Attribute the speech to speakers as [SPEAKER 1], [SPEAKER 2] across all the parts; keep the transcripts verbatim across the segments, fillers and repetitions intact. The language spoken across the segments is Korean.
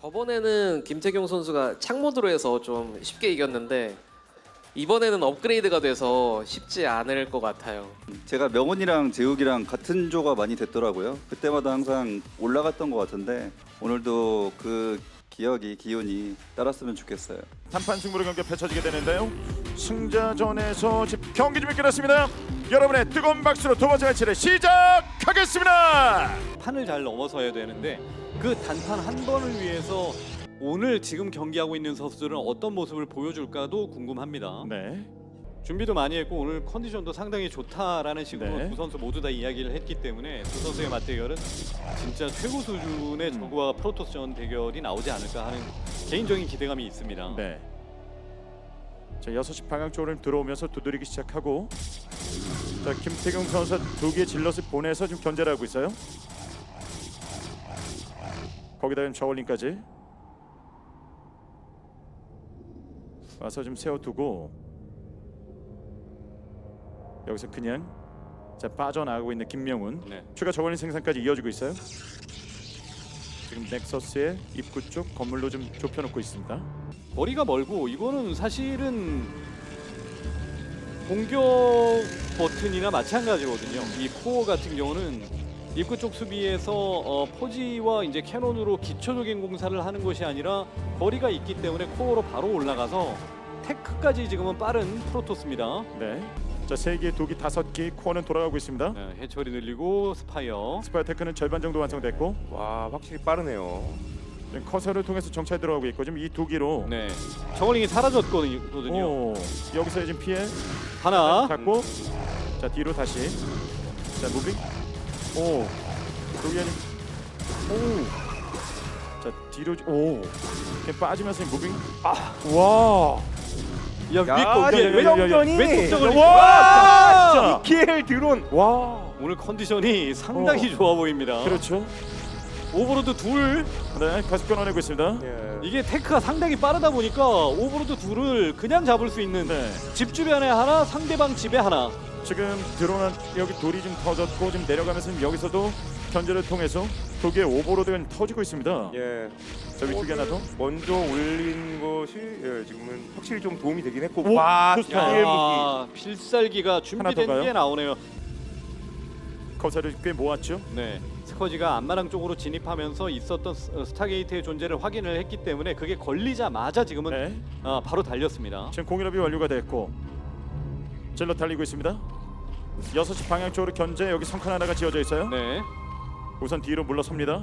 [SPEAKER 1] 저번에는 김태경 선수가 창모드로 해서 좀 쉽게 이겼는데 이번에는 업그레이드가 돼서 쉽지 않을 것 같아요.
[SPEAKER 2] 제가 명훈이랑 재욱이랑 같은 조가 많이 됐더라고요. 그때마다 항상 올라갔던 것 같은데 오늘도 그 기억이 기운이 따랐으면 좋겠어요.
[SPEAKER 3] 단판 승부로 경기 펼쳐지게 되는데요. 승자전에서 지금 경기 준비 끝났습니다. 여러분의 뜨거운 박수로 두 번째 매치를 시작하겠습니다.
[SPEAKER 4] 판을 잘 넘어서야 되는데 그 단판 한 번을 위해서 오늘 지금 경기하고 있는 선수들은 어떤 모습을 보여줄까도 궁금합니다.
[SPEAKER 3] 네.
[SPEAKER 4] 준비도 많이 했고 오늘 컨디션도 상당히 좋다라는 식으로
[SPEAKER 3] 네.
[SPEAKER 4] 두 선수 모두 다 이야기를 했기 때문에 두 선수의 맞대결은 진짜 최고 수준의 저그와 프로토스전 대결이 나오지 않을까 하는 개인적인 기대감이 있습니다.
[SPEAKER 3] 네. 자, 여섯 시 방향 쪽으로 들어오면서 두드리기 시작하고, 자, 김태경 선수 두 개의 질럿을 보내서 지금 견제를 하고 있어요. 거기다 지금 저울링까지 와서 좀 세워두고 여기서 그냥 자 빠져나가고 있는 김명훈.
[SPEAKER 4] 네.
[SPEAKER 3] 추가 저울링 생산까지 이어지고 있어요. 지금 넥서스의 입구 쪽 건물로 좀 좁혀놓고 있습니다.
[SPEAKER 4] 거리가 멀고 이거는 사실은 공격 버튼이나 마찬가지거든요. 이 코어 같은 경우는 입구 쪽 수비에서 어, 포지와 이제 캐논으로 기초적인 공사를 하는 것이 아니라 거리가 있기 때문에 코어로 바로 올라가서 테크까지 지금은 빠른 프로토스입니다.
[SPEAKER 3] 네. 자, 세 개, 두 개, 다섯 개 코어는 돌아가고 있습니다.
[SPEAKER 4] 네, 해처리 늘리고 스파이어.
[SPEAKER 3] 스파이 테크는 절반 정도 완성됐고,
[SPEAKER 5] 와, 확실히 빠르네요.
[SPEAKER 3] 지금 커서를 통해서 정찰 들어가고 있고, 지금 이 두 개로
[SPEAKER 4] 네, 저글링이 사라졌거든요.
[SPEAKER 3] 오, 여기서 지금 피해
[SPEAKER 4] 하나.
[SPEAKER 3] 잡고, 자 뒤로 다시, 자 무빙, 오, 여기 아니, 오, 자 뒤로, 오, 이렇게 빠지면서 무빙, 아, 와,
[SPEAKER 4] 야,
[SPEAKER 5] 야,
[SPEAKER 4] 위에 거 위에
[SPEAKER 3] 야, 야,
[SPEAKER 5] 외정전이
[SPEAKER 4] 왼쪽 저글링.
[SPEAKER 3] 와,
[SPEAKER 5] 킬 드론.
[SPEAKER 3] 와,
[SPEAKER 4] 오늘 컨디션이 상당히 좋아 보입니다.
[SPEAKER 3] 그렇죠.
[SPEAKER 4] 오버로드 둘.
[SPEAKER 3] 네, 계속 끊어내고 있습니다.
[SPEAKER 5] 예.
[SPEAKER 4] 이게 테크가 상당히 빠르다 보니까 오버로드 둘을 그냥 잡을 수 있는
[SPEAKER 3] 네,
[SPEAKER 4] 집 주변에 하나, 상대방 집에 하나.
[SPEAKER 3] 지금 드론은 여기 돌이 좀 터졌고, 지금 내려가면서 지금 여기서도 견제를 통해서 두 개의 오버로드가 터지고 있습니다.
[SPEAKER 5] 예.
[SPEAKER 3] 자, 위쪽에 하나 더.
[SPEAKER 5] 먼저 올린 것이 예, 지금은 확실히 좀 도움이 되긴 했고.
[SPEAKER 3] 오,
[SPEAKER 5] 와,
[SPEAKER 3] 좋다.
[SPEAKER 5] 스타일 무기.
[SPEAKER 4] 야, 필살기가
[SPEAKER 3] 하나 더
[SPEAKER 4] 준비된
[SPEAKER 3] 가요?
[SPEAKER 4] 게 나오네요.
[SPEAKER 3] 커서를 꽤 모았죠.
[SPEAKER 4] 네, 스커지가 안마랑 쪽으로 진입하면서 있었던 스- 어, 스타게이트의 존재를 확인을 했기 때문에 그게 걸리자마자 지금은
[SPEAKER 3] 네.
[SPEAKER 4] 아, 바로 달렸습니다.
[SPEAKER 3] 지금 공일업이 완료가 됐고 질러 달리고 있습니다. 여섯 시 방향 쪽으로 견제. 여기 성칸 하나가 지어져 있어요.
[SPEAKER 4] 네,
[SPEAKER 3] 우선 뒤로 물러섭니다.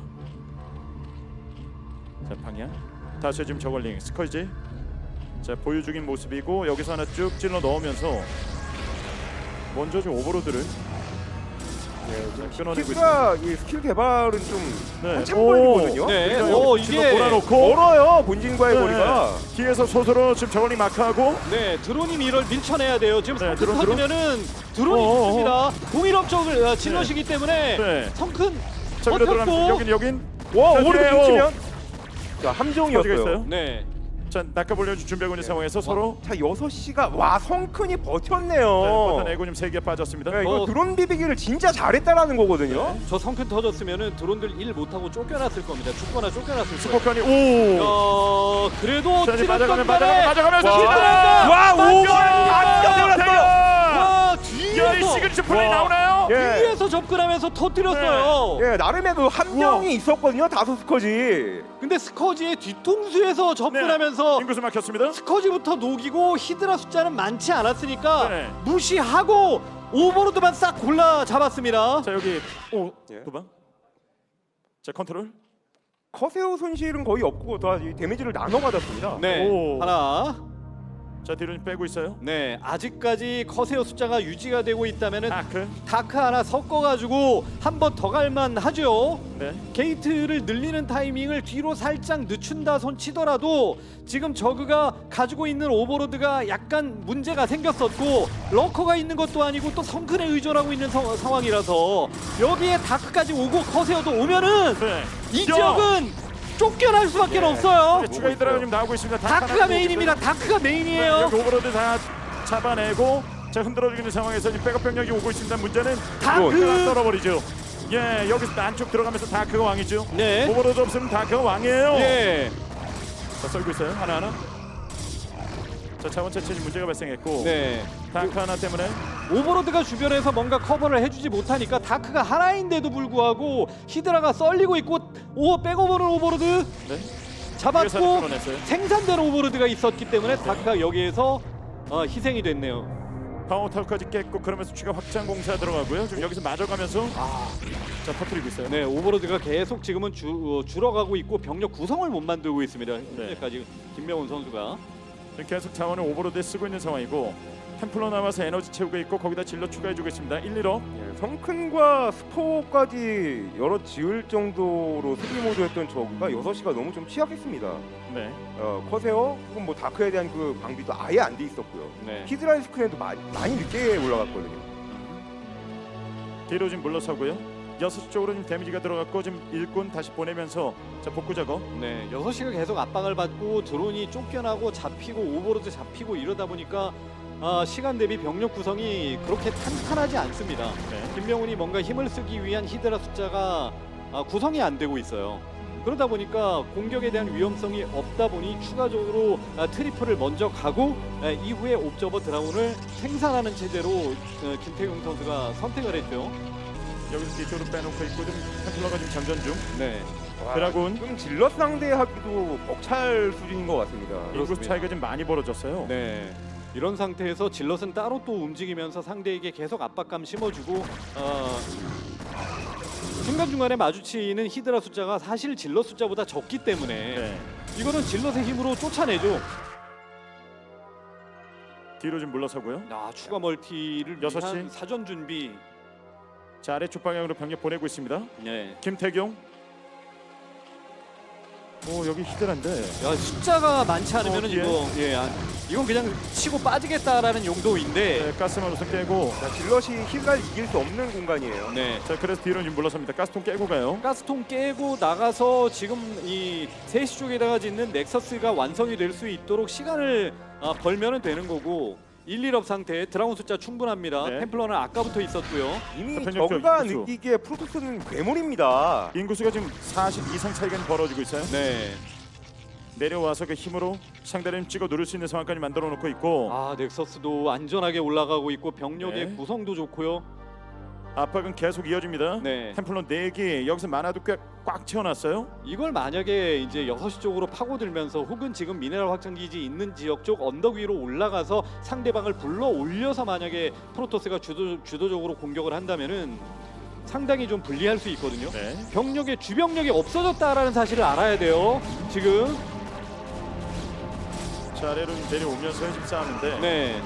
[SPEAKER 3] 자, 방향 다시 지금 저걸링 스컬지. 자, 보유 중인 모습이고 여기서 하나 쭉 찔러 넣으면서 먼저 좀 오버로드를
[SPEAKER 5] 예, 지금
[SPEAKER 3] 끊어내고
[SPEAKER 5] 스킬가 이 스킬 개발은 좀
[SPEAKER 3] 네.
[SPEAKER 5] 한참
[SPEAKER 3] 오.
[SPEAKER 5] 걸리거든요.
[SPEAKER 4] 네,
[SPEAKER 3] 그러니까
[SPEAKER 4] 오,
[SPEAKER 3] 여기
[SPEAKER 4] 이게
[SPEAKER 3] 질러 몰아놓고
[SPEAKER 5] 멀어요, 본진과의
[SPEAKER 3] 네.
[SPEAKER 5] 거리가.
[SPEAKER 3] 뒤에서 소수로 지금 저걸링 마크하고
[SPEAKER 4] 네, 드론이 이걸 밀쳐내야 돼요. 지금
[SPEAKER 3] 네,
[SPEAKER 4] 성큰
[SPEAKER 3] 드론, 드론.
[SPEAKER 4] 터지면은 드론이
[SPEAKER 3] 어어어.
[SPEAKER 4] 있습니다. 공일업 쪽을 어, 질럿이기 때문에
[SPEAKER 3] 네.
[SPEAKER 4] 성큰
[SPEAKER 3] 자, 위로 들어가면
[SPEAKER 4] 버텼고.
[SPEAKER 3] 여긴 여긴
[SPEAKER 5] 와,
[SPEAKER 3] 자,
[SPEAKER 5] 오버로드
[SPEAKER 3] 뒤에,
[SPEAKER 5] 훔치면.
[SPEAKER 3] 오.
[SPEAKER 5] 자,
[SPEAKER 3] 터지가
[SPEAKER 5] 함정이었어요.
[SPEAKER 3] 있어요.
[SPEAKER 4] 네,
[SPEAKER 3] 자, 낚아보려 준비하고 있는 상황에서 서로
[SPEAKER 5] 자, 여섯 시가 와, 성큰이
[SPEAKER 3] 네,
[SPEAKER 5] 버텼네요.
[SPEAKER 3] 버텨내고 지금 세 개 빠졌습니다.
[SPEAKER 5] 네, 이거
[SPEAKER 4] 어.
[SPEAKER 5] 드론 비비기를 진짜 잘했다라는 거거든요.
[SPEAKER 4] 저 성큰 터졌으면은 드론들 일 못하고 쫓겨났을 겁니다. 죽거나 쫓겨났을 거예요.
[SPEAKER 3] 스포칸이 오.
[SPEAKER 4] 어, 그래도
[SPEAKER 3] 자, 이제
[SPEAKER 4] 찌른
[SPEAKER 3] 맞아가면
[SPEAKER 4] 덕분에
[SPEAKER 3] 맞아가면 맞아가면서
[SPEAKER 5] 와.
[SPEAKER 3] 히드라!
[SPEAKER 5] 와, 오버!
[SPEAKER 3] 야,
[SPEAKER 4] 와,
[SPEAKER 3] 이
[SPEAKER 4] 뒤에서
[SPEAKER 3] 시그니처 플레이
[SPEAKER 5] 와.
[SPEAKER 3] 나오나요?
[SPEAKER 5] 예.
[SPEAKER 4] 뒤에서 접근하면서 터뜨렸어요.
[SPEAKER 5] 예, 나름의 그 함정이 있었거든요. 다섯 스커지.
[SPEAKER 4] 근데 스커지의 뒤통수에서 접근하면서
[SPEAKER 3] 인구수 막혔습니다.
[SPEAKER 4] 스커지부터 녹이고 히드라 숫자는 많지 않았으니까
[SPEAKER 3] 네.
[SPEAKER 4] 무시하고 오버로드만 싹 골라 잡았습니다.
[SPEAKER 3] 자, 여기 오,
[SPEAKER 5] 예.
[SPEAKER 3] 두 방. 자, 컨트롤.
[SPEAKER 5] 커세어 손실은 거의 없고 다 이 데미지를 나눠 받았습니다.
[SPEAKER 4] 네,
[SPEAKER 3] 오.
[SPEAKER 4] 하나.
[SPEAKER 3] 자, 뒤로 빼고 있어요.
[SPEAKER 4] 네, 아직까지 커세어 숫자가 유지가 되고 있다면은
[SPEAKER 3] 다크.
[SPEAKER 4] 다크 하나 섞어가지고 한 번 더 갈만 하죠.
[SPEAKER 3] 네.
[SPEAKER 4] 게이트를 늘리는 타이밍을 뒤로 살짝 늦춘다 손 치더라도 지금 저그가 가지고 있는 오버로드가 약간 문제가 생겼었고 러커가 있는 것도 아니고 또 성큰에 의존하고 있는 서- 상황이라서 여기에 다크까지 오고 커세어도 오면은
[SPEAKER 3] 네.
[SPEAKER 4] 이
[SPEAKER 3] 야.
[SPEAKER 4] 지역은 쫓겨날 수밖에
[SPEAKER 5] 예.
[SPEAKER 4] 없어요.
[SPEAKER 3] 네, 추가 히드라가 지금 나오고 있습니다.
[SPEAKER 4] 다크가 메인입니다. 다크가
[SPEAKER 3] 네,
[SPEAKER 4] 메인이에요.
[SPEAKER 3] 여기 오버로드 다 잡아내고 자, 흔들어주고 있는 상황에서 지금 백업 병력이 오고 있습니다. 문제는
[SPEAKER 4] 다크
[SPEAKER 3] 다크가 떨어버리죠. 예, 여기서 안쪽 들어가면서 다크가 왕이죠.
[SPEAKER 4] 네.
[SPEAKER 3] 오버로드 없으면 다크가 왕이에요.
[SPEAKER 4] 예.
[SPEAKER 3] 자, 썰고 있어요. 하나하나. 자, 자원 채취 문제가 발생했고
[SPEAKER 4] 네.
[SPEAKER 3] 다크 하나 때문에
[SPEAKER 4] 오버로드가 주변에서 뭔가 커버를 해주지 못하니까 다크가 하나인데도 불구하고 히드라가 썰리고 있고 오 백오버는 오버로드
[SPEAKER 3] 네.
[SPEAKER 4] 잡았고
[SPEAKER 3] 위에서 끊어냈어요.
[SPEAKER 4] 생산된 오버로드가 있었기 때문에 다크가 여기에서 어, 희생이 됐네요.
[SPEAKER 3] 파워탈까지 깼고 그러면서 추가 확장 공사 들어가고요. 지금 여기서 맞아가면서 자 터뜨리고 있어요.
[SPEAKER 4] 네, 오버로드가 계속 지금은 주, 어, 줄어가고 있고 병력 구성을 못 만들고 있습니다. 현재까지 김명훈 선수가.
[SPEAKER 3] 지금 계속 자원을 오버로드에 쓰고 있는 상황이고 템플러 남아서 에너지 채우고 있고 거기다 질러 추가해주고 있습니다. 일, 일업.
[SPEAKER 5] 예, 성큰과 스포까지 여러 지을 정도로 수비 모드였던 저그가 여섯 시가 너무 좀 취약했습니다.
[SPEAKER 3] 네.
[SPEAKER 5] 어, 커세어 혹은 뭐 다크에 대한 그 방비도 아예 안 돼 있었고요.
[SPEAKER 4] 네.
[SPEAKER 5] 히드라이 스크린도 많이, 많이 늦게 올라갔거든요.
[SPEAKER 3] 뒤로 지금 물러서고요. 여섯 시 쪽으로 지금 데미지가 들어갔고 지금 일꾼 다시 보내면서 자 복구 작업.
[SPEAKER 4] 네, 여섯 시가 계속 압박을 받고 드론이 쫓겨나고 잡히고 오버로드 잡히고 이러다 보니까 아, 시간 대비 병력 구성이 그렇게 탄탄하지 않습니다.
[SPEAKER 3] 네.
[SPEAKER 4] 김명훈이 뭔가 힘을 쓰기 위한 히드라 숫자가 아, 구성이 안 되고 있어요. 그러다 보니까 공격에 대한 위험성이 없다 보니 추가적으로 아, 트리플을 먼저 가고 아, 이후에 옵저버 드라운을 생산하는 체제로 어, 김태경 선수가 선택을 했죠.
[SPEAKER 3] 여기서 뒤쪽으로 빼놓고 있고 좀 템플러가 지금 장전 중.
[SPEAKER 4] 네,
[SPEAKER 5] 와,
[SPEAKER 3] 드라군.
[SPEAKER 5] 좀 질럿 상대하기도 벅찰 수준인 것 같습니다.
[SPEAKER 3] 인구 차이가 좀 많이 벌어졌어요.
[SPEAKER 4] 네. 이런 상태에서 질럿은 따로 또 움직이면서 상대에게 계속 압박감 심어주고 어, 중간중간에 마주치는 히드라 숫자가 사실 질럿 숫자보다 적기 때문에
[SPEAKER 3] 네.
[SPEAKER 4] 이거는 질럿의 힘으로 쫓아내죠.
[SPEAKER 3] 뒤로 좀 물러서고요.
[SPEAKER 4] 아, 추가 멀티를
[SPEAKER 3] 여섯 시.
[SPEAKER 4] 위한 사전 준비.
[SPEAKER 3] 자 아래쪽 방향으로 병력 보내고 있습니다.
[SPEAKER 4] 네.
[SPEAKER 3] 김태경. 오 여기 히드란데.
[SPEAKER 4] 야, 숫자가 많지 않으면
[SPEAKER 3] 어, 뒤에?
[SPEAKER 4] 이거 예, 아, 이건 그냥 치고 빠지겠다라는 용도인데.
[SPEAKER 3] 네, 가스만 우선 깨고.
[SPEAKER 5] 자, 질럿이 히드라를 이길 수 없는 공간이에요.
[SPEAKER 4] 네.
[SPEAKER 3] 자 그래서 뒤로 좀 물러섭니다. 가스통 깨고 가요.
[SPEAKER 4] 가스통 깨고 나가서 지금 이 세 시 쪽에다가 짓는 넥서스가 완성이 될 수 있도록 시간을 아, 벌면은 되는 거고 일, 일업 상태 드라곤 숫자 충분합니다.
[SPEAKER 3] 네.
[SPEAKER 4] 템플러는 아까부터 있었고요.
[SPEAKER 5] 이미
[SPEAKER 3] 자, 변혁
[SPEAKER 5] 저그가
[SPEAKER 3] 인구수.
[SPEAKER 5] 느끼기에 프로토스는 괴물입니다.
[SPEAKER 3] 인구수가 지금 사십 이상 차이가 벌어지고 있어요.
[SPEAKER 4] 네.
[SPEAKER 3] 내려와서 그 힘으로 상대를 찍어 누를 수 있는 상황까지 만들어 놓고 있고
[SPEAKER 4] 아, 넥서스도 안전하게 올라가고 있고 병력의
[SPEAKER 3] 네.
[SPEAKER 4] 구성도 좋고요.
[SPEAKER 3] 압박은 계속 이어집니다.
[SPEAKER 4] 네.
[SPEAKER 3] 템플러 네 개 여기서 만화도 꽤 꽉 채워놨어요.
[SPEAKER 4] 이걸 만약에 이제 여섯 시 쪽으로 파고들면서 혹은 지금 미네랄 확장 기지 있는 지역 쪽 언덕 위로 올라가서 상대방을 불러 올려서 만약에 프로토스가 주도 주도적으로 공격을 한다면은 상당히 좀 불리할 수 있거든요.
[SPEAKER 3] 네.
[SPEAKER 4] 병력의 주병력이 없어졌다라는 사실을 알아야 돼요. 지금
[SPEAKER 3] 자 아래로 내려오면서 지금 싸우는데
[SPEAKER 4] 네.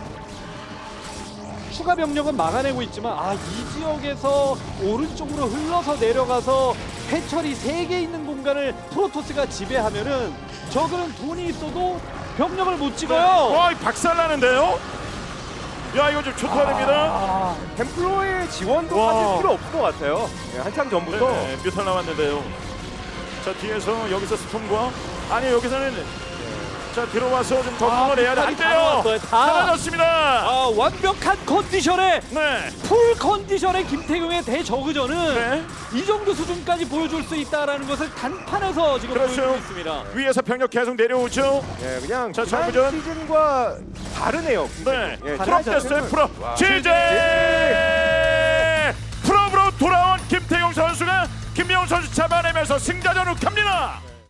[SPEAKER 4] 추가 병력은 막아내고 있지만 아, 이 지역에서 오른쪽으로 흘러서 내려가서 해철이 세 개 있는 공간을 프로토스가 지배하면은 저그는 돈이 있어도 병력을 못 찍어요.
[SPEAKER 3] 와 박살나는데요. 야 이거 좀 초토화됩니다.
[SPEAKER 5] 아, 템플러의 지원도
[SPEAKER 3] 와.
[SPEAKER 5] 사실 필요 없을 것 같아요. 네, 한참 전부터
[SPEAKER 3] 네, 뮤탈 나왔는데요. 자 뒤에서 여기서 스톰과 아니 여기서는 자 들어와서 좀 덕분을 해야 돼. 안
[SPEAKER 4] 다
[SPEAKER 3] 돼요.
[SPEAKER 4] 나왔어요, 다.
[SPEAKER 3] 사라졌습니다.
[SPEAKER 4] 아, 완벽한 컨디션에
[SPEAKER 3] 네.
[SPEAKER 4] 풀 컨디션의 김태경의 대저그전은
[SPEAKER 3] 네.
[SPEAKER 4] 이 정도 수준까지 보여줄 수 있다라는 것을 단판에서 지금
[SPEAKER 3] 그렇죠.
[SPEAKER 4] 보여주고 있습니다.
[SPEAKER 3] 위에서 병력 계속 내려오죠.
[SPEAKER 5] 예, 그냥
[SPEAKER 3] 자,
[SPEAKER 5] 지난
[SPEAKER 3] 정부전.
[SPEAKER 5] 시즌과 다르네요.
[SPEAKER 3] 네.
[SPEAKER 5] 예,
[SPEAKER 3] 프로
[SPEAKER 5] 지난
[SPEAKER 3] 됐어요.
[SPEAKER 5] 자체는-
[SPEAKER 3] 프로.
[SPEAKER 5] 와.
[SPEAKER 3] 제제 프로로 돌아온 김태용 선수가 김명훈 선수 잡아내면서 승자전으로 갑니다.